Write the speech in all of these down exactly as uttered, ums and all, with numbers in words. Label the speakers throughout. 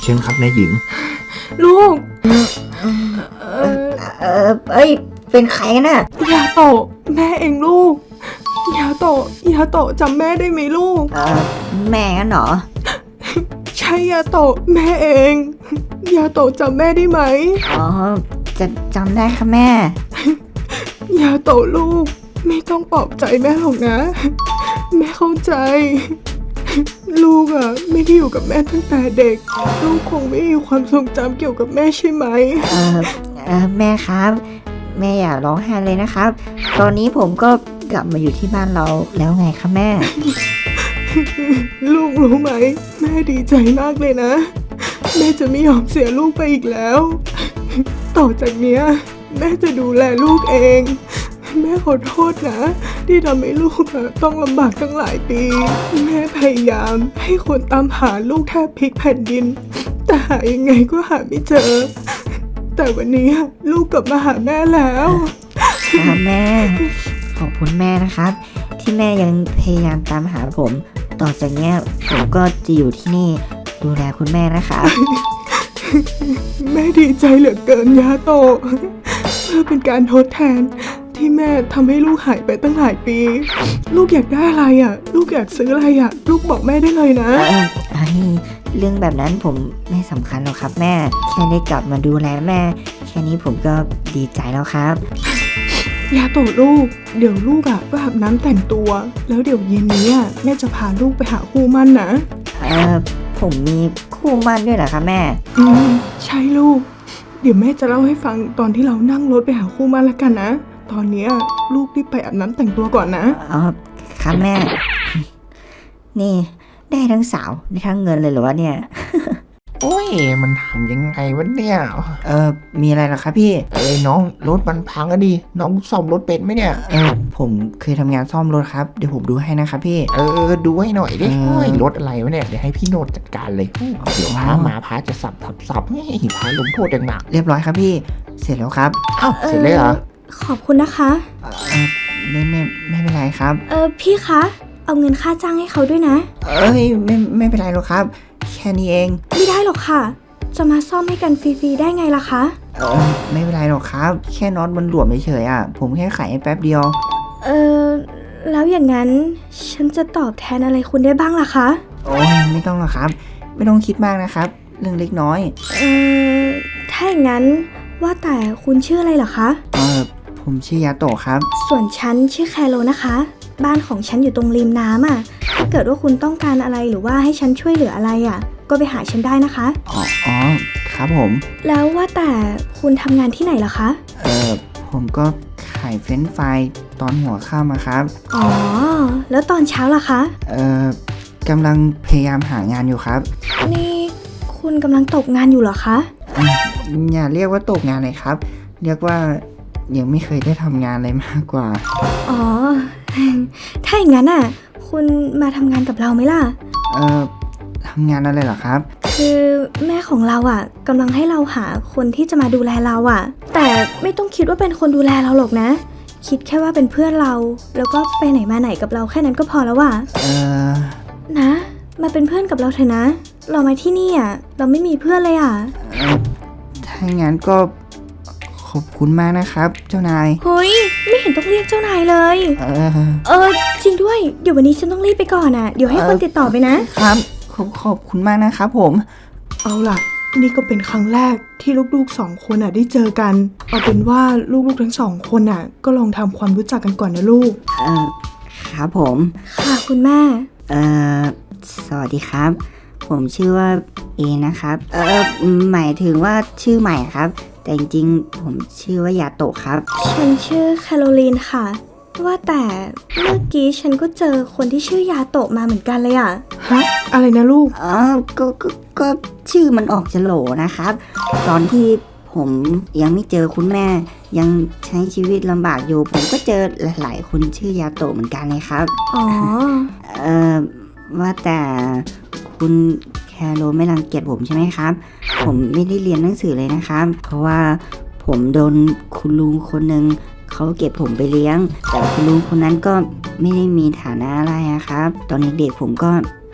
Speaker 1: ชิญครับนายหญิง
Speaker 2: ลูก
Speaker 3: เออเออเอ้ยเป็นใครน่ะ
Speaker 2: ยาโตะแม่เองลูกยาโตะยาโตะจำแม่ได้ไหมลูก
Speaker 3: เออแม่งั้นเหรอ
Speaker 2: ใช่ยาโตะแม่เองยาโตะจำแม่ได้ไหม
Speaker 3: อ๋อจะจำได้ค่ะแม่
Speaker 2: ยาโตะลูกไม่ต้องปลอบใจแม่หรอกนะแม่เข้าใจลูกอะไม่ได้อยู่กับแม่ตั้งแต่เด็กลูกคงไม่มีความทรงจำเกี่ยวกับแม่ใช่ไหม
Speaker 3: เออเออแม่ครับแม่อย่าร้องไห้เลยนะครับตอนนี้ผมก็กลับมาอยู่ที่บ้านเราแล้วไงคะแม่
Speaker 2: ลูกรู้ไหมแม่ดีใจมากเลยนะแม่จะไม่ยอมเสียลูกไปอีกแล้วต่อจากเนี้ยแม่จะดูแลลูกเองแม่ขอโทษนะที่ทำให้ลูกต้องลำบากตั้งหลายปีแม่พยายามให้คนตามหาลูกแทบพลิกแผ่นดินแต่หายังไงก็หาไม่เจอแต่วันนี้ลูกกลับมาหาแม่แล้ว
Speaker 3: ค่ะแม่ขอบคุณแม่นะครับที่แม่ยังพยายามตามหาผมต่อจากนี้ผมก็จะอยู่ที่นี่ดูแลคุณแม่นะคะ
Speaker 2: แม่ดีใจเหลือเกินยาโตะเพื่อเป็นการทดแทนที่แม่ทำให้ลูกหายไปตั้งหลายปีลูกอยากได้อะไรอ่ะลูกอยากซื้ออะไรอ่ะลูกบอกแม่ได้เลยนะ
Speaker 3: ไอ้เรื่องแบบนั้นผมไม่สำคัญหรอกครับแม่แค่ได้กลับมาดูแลแม่แค่นี้ผมก็ดีใจแล้วครับ
Speaker 2: ยาโตะลูกเดี๋ยวลูกอ่ะก็อาบน้ำแต่งตัวแล้วเดี๋ยวเย็นนี้อ่ะแม่จะพาลูกไปหาคู่มั่นนะ
Speaker 3: เออผมมีคู่มั่นด้วยเหรอคะแม่
Speaker 2: อืมใช่ลูกเดี๋ยวแม่จะเล่าให้ฟังตอนที่เรานั่งรถไปหาคู่มั่นแล้วกันนะตอนนี้ลูกรีบไปอาบน้ำแต่งตัวก่อนนะ
Speaker 3: อ๋อครับแม่นี่ได้ทั้งสาวได้ทั้งเงินเลยเหรอวะเนี่ย
Speaker 1: โอ้ยมันทำยังไงวะเนี่ย
Speaker 3: เออมีอะไรหรอครับพี่
Speaker 1: เอ้ยน้องรถมันพังอะดิน้องซ่อมรถเป็นไหมเนี่ย
Speaker 3: เออผมเคยทำงานซ่อมรถครับเดี๋ยวผมดูให้นะครับพี่
Speaker 1: เออดูให้หน่อยดิโอ้ยรถอะไรวะเนี่ยเดี๋ยวให้พี่โนดจัดการเลยเดี๋ยวพามาพาจะสับสับสับให้พาลงโทษอย่างหนัก
Speaker 3: เรียบร้อยครับพี่เสร็จแล้วครับ
Speaker 1: อ้าวเสร็จเลยเหรอ
Speaker 2: ขอบคุณนะคะ
Speaker 3: เออไม่ไม่ไม่เป็นไรครับ
Speaker 2: เออพี่คะเอาเงินค่าจ้างให้เขาด้วยนะ
Speaker 3: เอ้ยไม่ไม่เป็นไรหรอกครับแค่นี้เอง
Speaker 2: ไม่ได้หรอกค่ะจะมาซ่อมให้กันฟรีๆได้ไงล่ะคะ
Speaker 3: เออไม่เป็นไรหรอกครับแค่น็อตมันหลวมเฉยๆอ่ะผมแค่ขายแป๊บเดียว
Speaker 2: เออแล้วอย่างนั้นฉันจะตอบแทนอะไรคุณได้บ้างล่ะคะ
Speaker 3: โอ้ยไม่ต้องหรอกครับไม่ต้องคิดมากนะครับเรื่องเล็กน้อย
Speaker 2: เออถ้าอย่างนั้นว่าแต่คุณชื่ออะไรเหรอคะ
Speaker 3: เออผมชื่อยาโตะครับ
Speaker 2: ส่วนฉันชื่อแคโรนะคะบ้านของฉันอยู่ตรงริมน้ำอ่ะถ้าเกิดว่าคุณต้องการอะไรหรือว่าให้ฉันช่วยเหลืออะไรอ่ะก็ไปหาฉันได้นะคะ
Speaker 3: อ๋ออ๋อครับผม
Speaker 2: แล้วว่าแต่คุณทำงานที่ไหนเหรอคะ
Speaker 3: เออผมก็ขายเฟรนช์ฟรายตอนหัวค่ำครับ
Speaker 2: อ๋อแล้วตอนเช้าล่ะคะ
Speaker 3: เออกำลังพยายามหางานอยู่ครับ
Speaker 2: นี่คุณกำลังตกงานอยู่เหรอคะ
Speaker 3: อย่าเรียกว่าตกงานเลยครับเรียกว่ายังไม่เคยได้ทำงานอะไรมากกว่า
Speaker 2: อ๋อถ้าอย่างนั้นอ่ะคุณมาทำงานกับเราไหมล่ะ
Speaker 3: เอ่อทำงานอะไรเหรอครับ
Speaker 2: คือแม่ของเราอ่ะกำลังให้เราหาคนที่จะมาดูแลเราอ่ะแต่ไม่ต้องคิดว่าเป็นคนดูแลเราหรอกนะคิดแค่ว่าเป็นเพื่อนเราแล้วก็ไปไหนมาไหนกับเราแค่นั้นก็พอแล้วอ่ะ
Speaker 3: เออ
Speaker 2: นะมาเป็นเพื่อนกับเราเถอะนะเรามาที่นี่อ่ะเราไม่มีเพื่อนเลยอ่ะ
Speaker 3: ถ้างั้นก็ขอบคุณมากนะครับเจ้านาย
Speaker 2: เฮ้ยไม่เห็นต้องเรียกเจ้านายเลย
Speaker 3: เออ
Speaker 2: เออจริงด้วยเดี๋ยววันนี้ฉันต้องรีบไปก่อนอ่ะเดี๋ยวให้คนติดต่อไปนะครับ
Speaker 3: ขอบขอบคุณมากนะครับผม
Speaker 2: เอาล่ะนี่ก็เป็นครั้งแรกที่ลูกๆสองคนอ่ะได้เจอกันเอาเป็นว่าลูกๆทั้งสองคนอ่ะก็ลองทำความรู้จักกันก่อนนะลูก
Speaker 3: เออครับผม
Speaker 2: ค่ะคุณแม่
Speaker 3: เออสวัสดีครับผมชื่อว่าเอนะครับเออหมายถึงว่าชื่อใหม่ครับแต่จริงๆผมชื่อว่ายาโตะครับ
Speaker 2: ฉันชื่อแคโรลีนค่ะว่าแต่เมื่อกี้ฉันก็เจอคนที่ชื่อยาโตะมาเหมือนกันเลยอ่ะฮะอะไรนะลูก
Speaker 3: อ๋อก็ก็ก็ชื่อมันออกจะโหลนะครับตอนที่ผมยังไม่เจอคุณแม่ยังใช้ชีวิตลำบากอยู่ผมก็เจอหลายๆคนชื่อยาโตะเหมือนกันเลยครับ
Speaker 2: อ๋อ
Speaker 3: เอ่อว่าแต่คุณแคโรไม่รังเกียจผมใช่ไหมครับผมไม่ได้เรียนหนังสือเลยนะครับเพราะว่าผมโดนคุณลุงคนหนึ่งเขาเก็บผมไปเลี้ยงแต่คุณลุงคนนั้นก็ไม่ได้มีฐานะอะไรครับตอนเด็กๆผมก็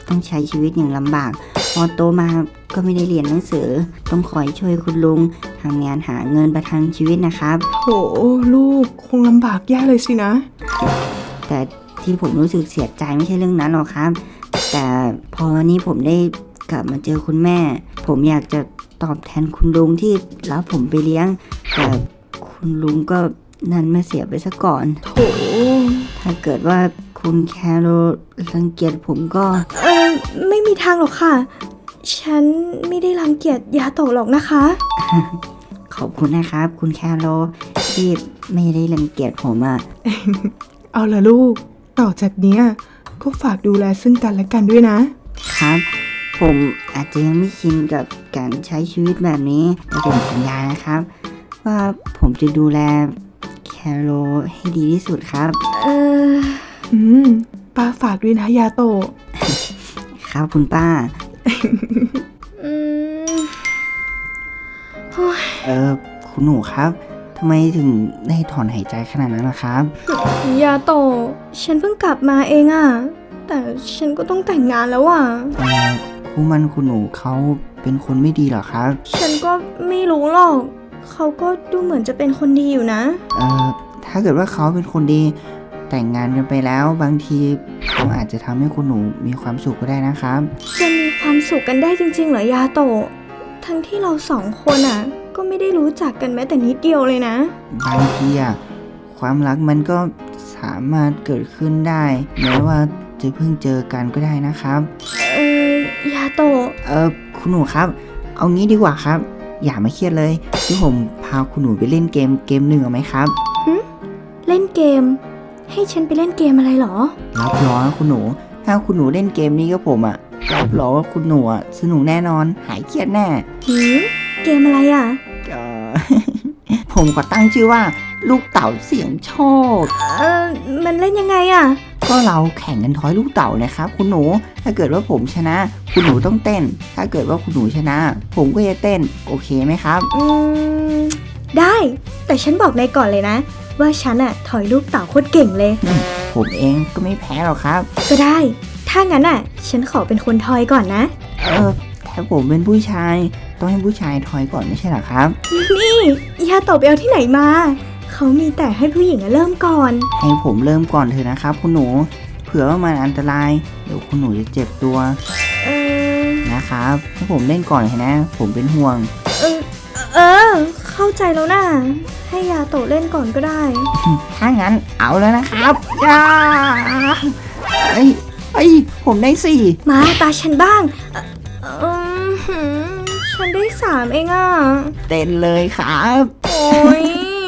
Speaker 3: ต้องใช้ชีวิตอย่างลำบากพอโตมาก็ไม่ได้เรียนหนังสือต้องคอยช่วยคุณลุงทำงานหาเงินประทังชีวิตนะครับ
Speaker 2: โหลูกคงลำบากแย่เลยสินะ
Speaker 3: แต่ที่ผมรู้สึกเสียใจไม่ใช่เรื่องนั้นหรอกครับ แต่พอวันนี้ผมได้กลับมาเจอคุณแม่ ผมอยากจะตอบแทนคุณลุงที่รับผมไปเลี้ยง แต่คุณลุงก็นั่นมาเสียไปซะก่อน
Speaker 2: โถ
Speaker 3: ถ้าเกิดว่าคุณแคโรรังเกียจผมก็
Speaker 4: เออไม่มีทางหรอกค่ะ ฉันไม่ได้รังเกียจยาโตะหรอกนะคะ
Speaker 3: ขอบคุณนะครับ คุณแคโรที่ไม่ได้รังเกียจผมอะ
Speaker 2: เอาละลูก ต่อจากเนี้ยก็ฝากดูแลซึ่งกันและกันด้วยนะ
Speaker 3: ครับ ผมอาจจะยังไม่ชินกับการใช้ชีวิตแบบนี้แต่ผมสัญญานะครับ ว่าผมจะดูแลแคโรให้ดีที่สุดครับ
Speaker 4: เออ
Speaker 2: อืมป้าฝากด้วยนะยาโตะ
Speaker 3: ครับคุณป้า
Speaker 4: อืมโอ้ย
Speaker 3: เออคุณหนูครับทำไมถึงได้ถอนหายใจขนาดนั้นล่ะครับ
Speaker 4: ยาโตะฉันเพิ่งกลับมาเองอะแต่ฉันก็ต้องแต่งงานแล้วอะ
Speaker 3: เออคู่มันคุณหนูเขาเป็นคนไม่ดีเหรอครับ
Speaker 4: ฉันก็ไม่รู้หรอก เขาก็ดูเหมือนจะเป็นคนดีอยู่นะ
Speaker 3: เออถ้าเกิดว่าเขาเป็นคนดีแต่งงานกันไปแล้ว บางทีเขาอาจจะทำให้คุณหนูมีความสุขก็ได้นะครับ
Speaker 4: จะมีความสุขกันได้จริงๆเหรอยาโตะทั้งที่เราสองคนอะก็ไม่ได้รู้จักกันแม้แต่นิดเดียวเลยนะ
Speaker 3: บางทีอะความรักมันก็สามารถเกิดขึ้นได้แม้ว่าจะเพิ่งเจอกันก็ได้นะครับ
Speaker 4: เออยาโตะ
Speaker 3: เออคุณหนูครับ เอางี้ดีกว่าครับ อย่ามาเครียดเลยที่ผมพาคุณหนูไปเล่นเกมเกมหนึ่งเอาไหมครับ
Speaker 4: เล่นเกม ให้ฉันไปเล่นเกมอะไรเหรอ
Speaker 3: รับรองนะคุณหนู ถ้าคุณหนูเล่นเกมนี้กับผมอะรับรองว่าคุณหนูอะสนุกแน่นอนหายเครียดแน่
Speaker 4: หืมเกมอะไรอ่ะ
Speaker 3: เอ่อ ผมขอตั้งชื่อว่า ลูกเต่าเสียงโชค
Speaker 4: เออมันเล่นยังไงอ่ะ
Speaker 3: ก็เราแข่งกันทอยลูกเต่านะครับคุณหนู ถ้าเกิดว่าผมชนะ คุณหนูต้องเต้น ถ้าเกิดว่าคุณหนูชนะ ผมก็จะเต้น โอเคไหมครับ
Speaker 4: อืม ได้ แต่ฉันบอกนายก่อนเลยนะ ว่าฉันอะถอยลูกเต่าโคตรเก่งเลย
Speaker 3: ผมเองก็ไม่แพ้หรอกครับ
Speaker 4: ก็ได้ ถ้างั้นอะฉันขอเป็นคนทอยก่อนนะ
Speaker 3: เออถ้าผมเป็นผู้ชาย ต้องให้ผู้ชายทอยก่อนไม่ใช่เหรอครับ
Speaker 4: นี่ยาโตะไปเอาที่ไหนมา เขามีแต่ให้ผู้หญิงอะเริ่มก่อน
Speaker 3: ให้ผมเริ่มก่อนเถอะนะครับ คุณหนู เผื่อว่ามันอันตราย เดี๋ยวคุณหนูจะเจ็บตัว
Speaker 4: เออ
Speaker 3: นะครับ ให้ผมเล่นก่อนเถอะนะ ผมเป็นห่วง
Speaker 4: เออ เออ เข้าใจแล้วนะให้ยาโตะเล่นก่อนก็ได้
Speaker 3: ถ้างั้นเอาแล้วนะครับย่าเอ้ยเอ้ย ผมได้สี่
Speaker 4: มาตาฉันบ้าง เอ่อเออหือฉันได้สามเองอ่ะ
Speaker 3: เต้นเลยครับ
Speaker 4: โอ้ย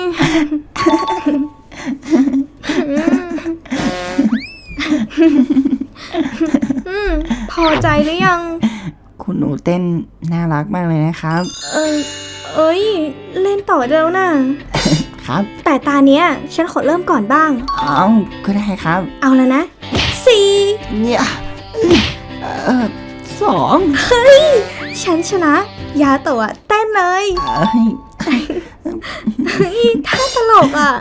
Speaker 4: อืมพอใจหรือยัง
Speaker 3: คุณหนูเต้นน่ารักมากเลยนะครับ
Speaker 4: เออเอ้ย เล่นต่อได้แล้วนะครับ แต่ตาเนี้ย ฉันขอเริ่มก่อนบ้าง
Speaker 3: เอาก็ได้ครับ
Speaker 4: เอาแล้วนะสี่
Speaker 3: เนี่ยเออสอง
Speaker 4: ฉันชนะ ยาโตะเต้นเลย
Speaker 3: เอ้ย
Speaker 4: เฮ้ยท่าตลกอ่ะ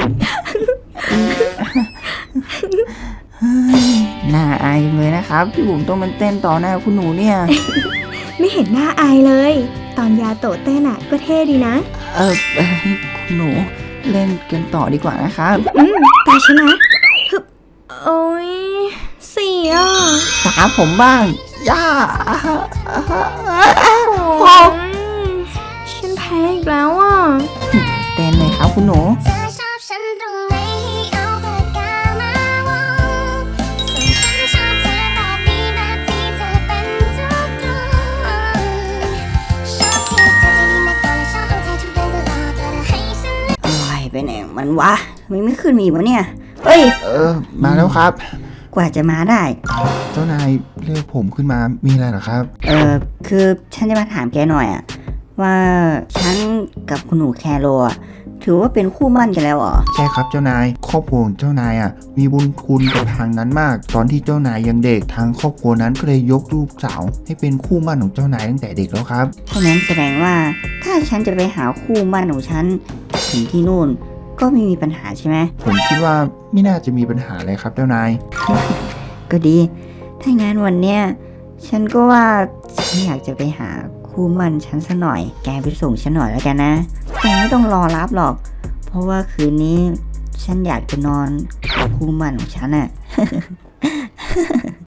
Speaker 3: น่าอายจังเลยนะครับ ที่ผมต้องมันเต้นต่อหน้าคุณหนูเนี่ย
Speaker 4: ไม่เห็นหน้าอายเลย ตอนยาโตะเต้นอ่ะก็เท่ดีนะ
Speaker 3: เออเอ่อคุณหนูเล่นกันต่อดีกว่านะครับ
Speaker 4: อืมตาชนะฮึบโอ้ยสี่อ่ะ
Speaker 3: ตาผมบ้าง ย่า
Speaker 4: โอ้ยฉันแพ้อีกแล้วอ่ะ
Speaker 3: เต้นเลยครับคุณหนู
Speaker 5: เธอชอบฉันตรงไหนให้เอาปากกามาวงส่วนฉันชอบเธอแบบนี้แบบที่เธอเป็นทุกตรงชอบที่เธอใจดีนักต่อและชอบเอาใจทุกเรื่องตลอดแต่ให้ฉัน
Speaker 3: อะไรไปไหนของมันวะทำไมไม่ขึ้นมาอีกวะเนี่ย เฮ้ย
Speaker 1: เออ มาแล้วครับ
Speaker 3: กว่าจะมาได้
Speaker 1: เจ้านายเรียกผมขึ้นมามีอะไรเหรอครับ
Speaker 3: เออคือฉันจะมาถามแกหน่อยอะว่าฉันกับคุณหนูแคโรอะถือว่าเป็นคู่หมั่นกันแล้วเหรอ
Speaker 1: ใช่ครับเจ้านายครอบครัวของเจ้านายอ่ะมีบุญคุณกับทางนั้นมาก ตอนที่เจ้านายยังเด็กทางครอบครัวนั้นก็เลยยกลูกสาวให้เป็นคู่หมั่นของเจ้านายตั้งแต่เด็กแล้วครับ
Speaker 3: เพราะงั้นแสดงว่าถ้าฉันจะไปหาคู่หมั่นของฉันถึงที่นู่นก็ไม่มีปัญหาใช่ไหม
Speaker 1: ผมคิดว่าไม่น่าจะมีปัญหาเลยครับเจ้านาย
Speaker 3: ก็ดีถ้างั้นวันเนี้ยฉันก็ว่าฉันอยากจะไปหาคู่หมันฉันซะหน่อย แกไปส่งฉันหน่อยแล้วกันนะ แกไม่ต้องรอรับหรอก เพราะว่าคืนนี้ฉันอยากจะนอนกับคู่หมันของฉันอะ